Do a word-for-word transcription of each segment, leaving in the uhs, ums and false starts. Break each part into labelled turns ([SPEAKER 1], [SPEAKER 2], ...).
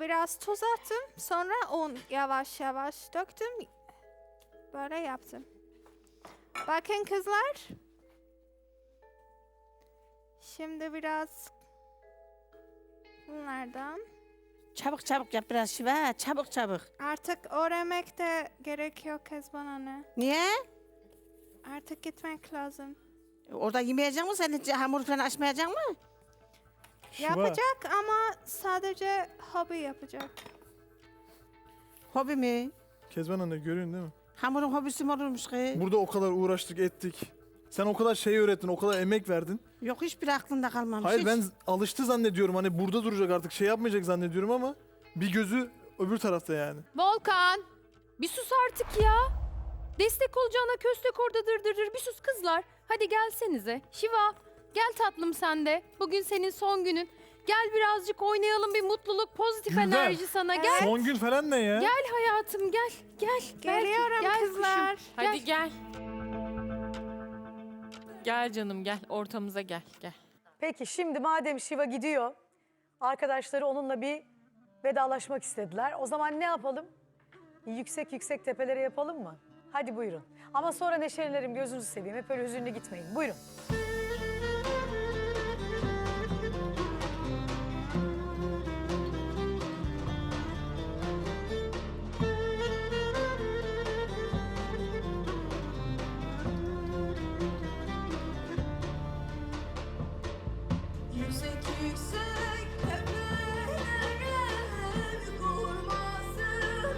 [SPEAKER 1] biraz tuz attım. Sonra un yavaş yavaş döktüm. Böyle yaptım. Bakın kızlar. Şimdi biraz bunlardan.
[SPEAKER 2] Çabuk çabuk yap biraz Şiva. Çabuk çabuk.
[SPEAKER 1] Artık öğrenmek de gerekiyor Kezban anne.
[SPEAKER 2] Niye?
[SPEAKER 1] Artık gitmek lazım.
[SPEAKER 2] Orada yemeyecek misin? Sen hiç hamur falan açmayacak mı?
[SPEAKER 1] Yapacak ama sadece hobi yapacak.
[SPEAKER 2] Hobi mi?
[SPEAKER 3] Kezban anne görüyorsun değil mi?
[SPEAKER 2] Hamurun hobisi mi olurmuş ki?
[SPEAKER 3] Burada o kadar uğraştık ettik. Sen o kadar şey öğrettin, o kadar emek verdin.
[SPEAKER 2] Yok hiçbir aklında kalmamış.
[SPEAKER 3] Hayır
[SPEAKER 2] hiç.
[SPEAKER 3] ben z- alıştı zannediyorum. Hani burada duracak artık şey yapmayacak zannediyorum ama bir gözü öbür tarafta yani.
[SPEAKER 4] Volkan, bir sus artık ya. Destek olacağına köstek orada dırdırır. Bir sus kızlar. Hadi gelsenize. Şiva, gel tatlım sen de. Bugün senin son günün. Gel birazcık oynayalım, bir mutluluk, pozitif
[SPEAKER 3] Gülden,
[SPEAKER 4] enerji sana. Gel.
[SPEAKER 3] Son gün falan ne ya?
[SPEAKER 4] Gel hayatım, gel. Gel.
[SPEAKER 1] Geliyorum
[SPEAKER 4] gel
[SPEAKER 1] kızlar.
[SPEAKER 4] kuşum.
[SPEAKER 5] Hadi gel. Gel canım gel. Ortamıza gel. Gel.
[SPEAKER 6] Peki şimdi madem Şiva gidiyor, arkadaşları onunla bir vedalaşmak istediler. O zaman ne yapalım? Yüksek yüksek tepelere yapalım mı? Hadi buyurun. Ama sonra neşelilerim, gözünüzü seveyim. Hep öyle hüzünlü gitmeyin. Buyurun.
[SPEAKER 7] Yüksek yüksek tepelere kurmasınlar.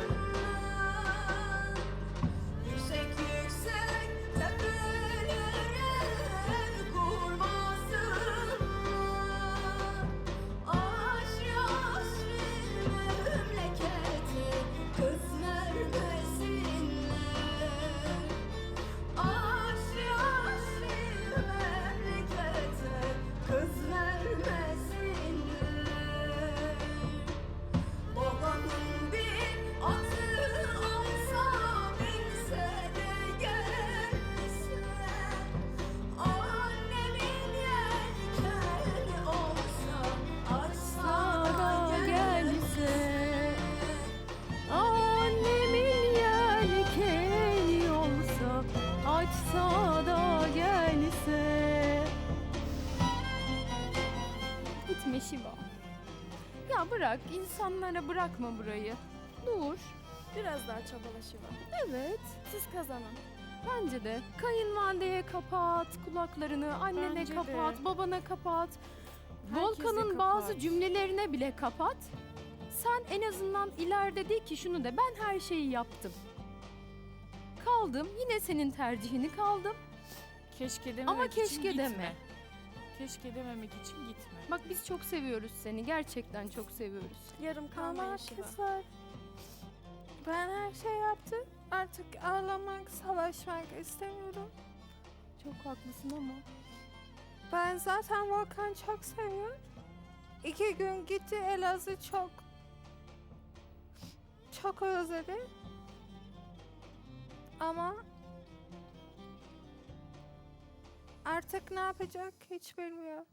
[SPEAKER 7] Yüksek yüksek tepelere kurmasınlar. Aşrı aşrı memleketi kız vermesinler. Aşrı aşrı memleketi kız vermesinler. Babanın bir atı olsa binse de gelse, annemin yelkeni olsa açsa da gelse.
[SPEAKER 4] Annemin yelkeni olsa, açsa da gelse. Gitme Şiva. Ya bırak, insanlara bırakma burayı. Dur.
[SPEAKER 8] Biraz daha çabala Şiva.
[SPEAKER 4] Evet,
[SPEAKER 8] Siz kazanın.
[SPEAKER 4] bence de. Kayınvalideye kapat kulaklarını, annene
[SPEAKER 8] Bence de.
[SPEAKER 4] kapat, babana kapat.
[SPEAKER 8] Herkese
[SPEAKER 4] Volkan'ın bazı
[SPEAKER 8] kapat.
[SPEAKER 4] cümlelerine bile kapat. Sen en azından ileride de ki şunu de, ben her şeyi yaptım. Kaldım, yine senin tercihini kaldım.
[SPEAKER 5] Keşke dememek
[SPEAKER 4] Ama
[SPEAKER 5] için
[SPEAKER 4] keşke
[SPEAKER 5] gitme.
[SPEAKER 4] deme.
[SPEAKER 5] Keşke dememek için gitme.
[SPEAKER 4] Bak biz çok seviyoruz seni, gerçekten çok seviyoruz.
[SPEAKER 8] Yarım kalmayın
[SPEAKER 1] Ama
[SPEAKER 8] Şiva.
[SPEAKER 1] kızlar. Ben her şey yaptım. Artık ağlamak, savaşmak istemiyorum.
[SPEAKER 4] Çok haklısın ama.
[SPEAKER 1] Ben zaten Volkan çok seviyorum. İki gün gitti Elazığ çok çok özledi. Ama artık ne yapacak hiç bilmiyor.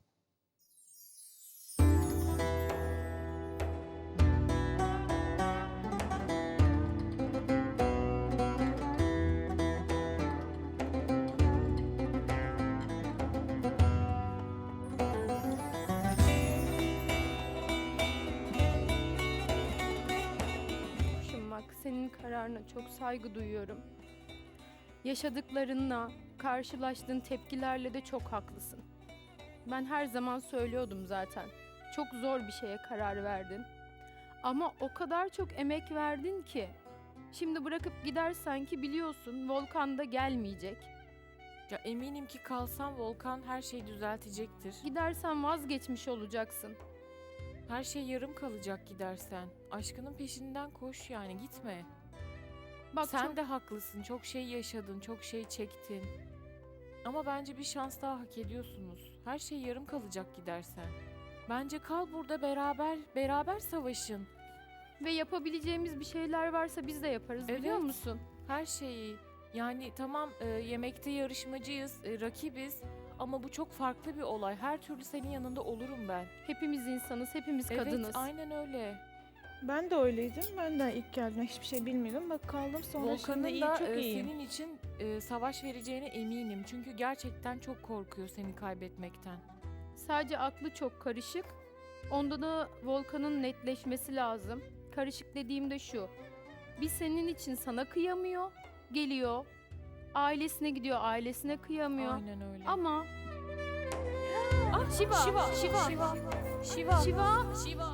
[SPEAKER 4] Kuşum bak, senin kararına çok saygı duyuyorum. Yaşadıklarınla, karşılaştığın tepkilerle de çok haklısın. Ben her zaman söylüyordum zaten. Çok zor bir şeye karar verdin. Ama o kadar çok emek verdin ki. Şimdi bırakıp gidersen ki biliyorsun Volkan da gelmeyecek.
[SPEAKER 5] Ya eminim ki kalsam Volkan her şeyi düzeltecektir.
[SPEAKER 4] Gidersen vazgeçmiş olacaksın.
[SPEAKER 5] Her şey yarım kalacak gidersen. Aşkının peşinden koş yani gitme.
[SPEAKER 4] Bak
[SPEAKER 5] Sen
[SPEAKER 4] çok-
[SPEAKER 5] de haklısın. Çok şey yaşadın, çok şey çektin. Ama bence bir şans daha hak ediyorsunuz. Her şey yarım kalacak gidersen. Bence kal burada beraber, beraber savaşın.
[SPEAKER 4] ve yapabileceğimiz bir şeyler varsa biz de yaparız, biliyor
[SPEAKER 5] Evet.
[SPEAKER 4] musun?
[SPEAKER 5] Her şeyi. Yani tamam e, yemekte yarışmacıyız, e, rakibiz. Ama bu çok farklı bir olay. Her türlü senin yanında olurum ben.
[SPEAKER 4] Hepimiz insanız, hepimiz
[SPEAKER 5] Evet,
[SPEAKER 4] kadınız.
[SPEAKER 5] aynen öyle.
[SPEAKER 9] Ben de öyleydim. Ben de ilk geldiğimde hiçbir şey bilmiyordum. Bak kaldım sonra şimdi
[SPEAKER 5] Volkan'ın
[SPEAKER 9] iyi,
[SPEAKER 5] da
[SPEAKER 9] çok
[SPEAKER 5] e,
[SPEAKER 9] iyiyim.
[SPEAKER 5] senin için e, savaş vereceğine eminim. Çünkü gerçekten çok korkuyor seni kaybetmekten.
[SPEAKER 4] Sadece aklı çok karışık. Onda da Volkan'ın netleşmesi lazım. Karışık dediğimde şu. Bir senin için sana kıyamıyor, geliyor. Ailesine gidiyor, ailesine kıyamıyor.
[SPEAKER 5] Aynen öyle.
[SPEAKER 4] Ama
[SPEAKER 5] Ah,
[SPEAKER 4] Şiva,
[SPEAKER 5] Şiva,
[SPEAKER 4] Şiva,
[SPEAKER 5] Şiva,
[SPEAKER 4] Şiva,
[SPEAKER 5] Şiva, Şiva.
[SPEAKER 3] Şiva.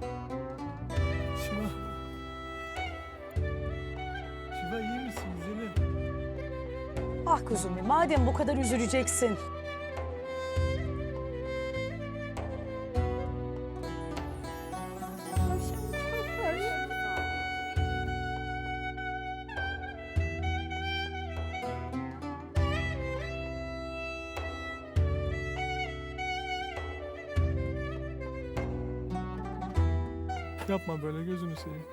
[SPEAKER 3] Şiva iyi misin güzelim?
[SPEAKER 6] Ah kuzum benim, madem bu kadar üzüleceksin.
[SPEAKER 3] Yapma böyle gözünü seveyim.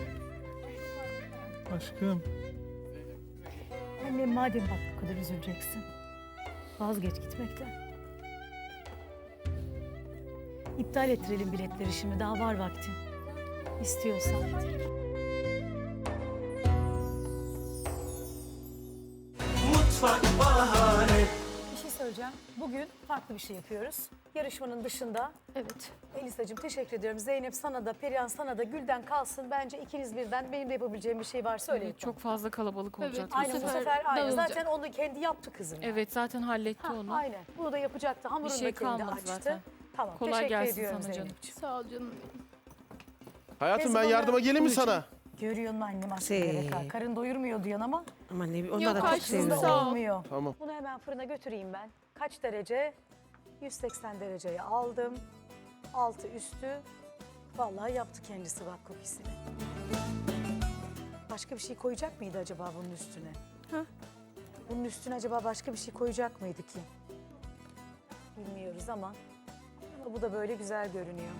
[SPEAKER 3] Aşkım.
[SPEAKER 6] Annem madem bak bu kadar üzüleceksin. Vazgeç gitmekten. İptal ettirelim biletleri şimdi, daha var vaktin. İstiyorsan. Bir şey söyleyeceğim. Bugün farklı bir şey yapıyoruz. Yarışmanın dışında.
[SPEAKER 4] evet.
[SPEAKER 6] Elisacığım teşekkür ediyorum. Zeynep sana da, Perihan sana da, Gülden kalsın. Bence ikiniz birden benim de yapabileceğim bir şey var. Söyleyin.
[SPEAKER 5] Evet, çok fazla kalabalık
[SPEAKER 4] Evet,
[SPEAKER 5] olacak.
[SPEAKER 4] bu
[SPEAKER 6] Aynen bu
[SPEAKER 4] sefer
[SPEAKER 6] sefer aynen.
[SPEAKER 4] dağılacak.
[SPEAKER 6] Zaten onu kendi yaptı kızım. yani.
[SPEAKER 5] Evet, zaten halletti
[SPEAKER 6] Ha,
[SPEAKER 5] onu.
[SPEAKER 6] aynen. Bunu da yapacaktı. Hamurunu
[SPEAKER 5] Bir şey
[SPEAKER 6] da kendi
[SPEAKER 5] kalmadı
[SPEAKER 6] açtı.
[SPEAKER 5] zaten.
[SPEAKER 6] Tamam.
[SPEAKER 5] Kolay
[SPEAKER 6] teşekkür
[SPEAKER 5] gelsin
[SPEAKER 6] ediyorum
[SPEAKER 5] sana canım.
[SPEAKER 6] Zeynep'ciğim.
[SPEAKER 4] Sağ ol canım benim.
[SPEAKER 10] Hayatım ben
[SPEAKER 6] Neyse,
[SPEAKER 10] yardıma
[SPEAKER 6] bana
[SPEAKER 10] geleyim mi
[SPEAKER 6] bunun için-
[SPEAKER 10] sana?
[SPEAKER 6] Görüyor musun annem aslında
[SPEAKER 2] Şey.
[SPEAKER 6] gerek var. Karın doyurmuyor diyen ama
[SPEAKER 2] Ama ne onlar
[SPEAKER 4] Yok,
[SPEAKER 2] da çok
[SPEAKER 4] karşınızda
[SPEAKER 2] seviyorum.
[SPEAKER 4] sağ ol.
[SPEAKER 6] olmuyor.
[SPEAKER 10] Tamam.
[SPEAKER 6] Bunu hemen fırına götüreyim ben. Kaç derece? yüz seksen dereceye aldım. Altı üstü. Vallahi yaptı kendisi bak kukisini. Başka bir şey koyacak mıydı acaba bunun üstüne?
[SPEAKER 4] Hah.
[SPEAKER 6] Bunun üstüne acaba başka bir şey koyacak mıydı ki? Bilmiyoruz ama, ama bu da böyle güzel görünüyor.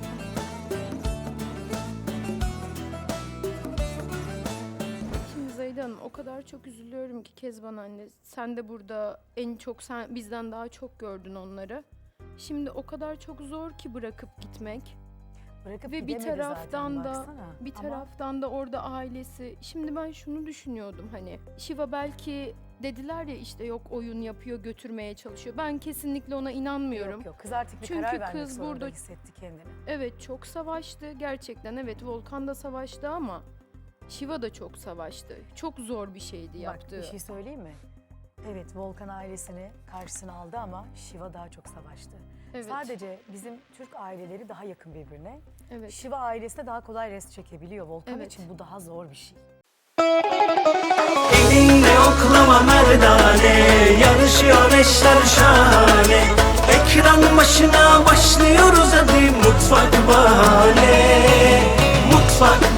[SPEAKER 4] Şimdi Zeyda Hanım o kadar çok üzülüyorum ki Kezban anne. Sen de burada en çok sen bizden daha çok gördün onları. Şimdi o kadar çok zor ki bırakıp gitmek.
[SPEAKER 6] Bırakıp
[SPEAKER 4] Ve bir
[SPEAKER 6] gidemedi zaten,
[SPEAKER 4] taraftan da
[SPEAKER 6] baksana.
[SPEAKER 4] bir
[SPEAKER 6] Ama
[SPEAKER 4] taraftan da orada ailesi. Şimdi ben şunu düşünüyordum hani Şiva belki dediler ya işte yok oyun yapıyor götürmeye çalışıyor. Ben kesinlikle ona inanmıyorum.
[SPEAKER 6] Yok yok, kız artık bir
[SPEAKER 4] Çünkü
[SPEAKER 6] karar vermek
[SPEAKER 4] kız
[SPEAKER 6] zorunda
[SPEAKER 4] burada-
[SPEAKER 6] hissetti kendini.
[SPEAKER 4] Evet çok savaştı gerçekten evet Volkan da savaştı ama Şiva da çok savaştı. Çok zor bir şeydi
[SPEAKER 6] Bak
[SPEAKER 4] yaptığı.
[SPEAKER 6] bir şey söyleyeyim mi? Evet, Volkan ailesini karşısına aldı ama Şiva daha çok savaştı.
[SPEAKER 4] Evet.
[SPEAKER 6] Sadece bizim Türk aileleri daha yakın birbirine.
[SPEAKER 4] Evet.
[SPEAKER 6] Şiva ailesine daha kolay rest çekebiliyor. Volkan
[SPEAKER 4] Evet.
[SPEAKER 6] için bu daha zor bir şey.
[SPEAKER 11] Elinde oklama merdane, yarışıyor eşler şahane. Ekran başına başlıyoruz hadi Mutfak Bahane. Mutfak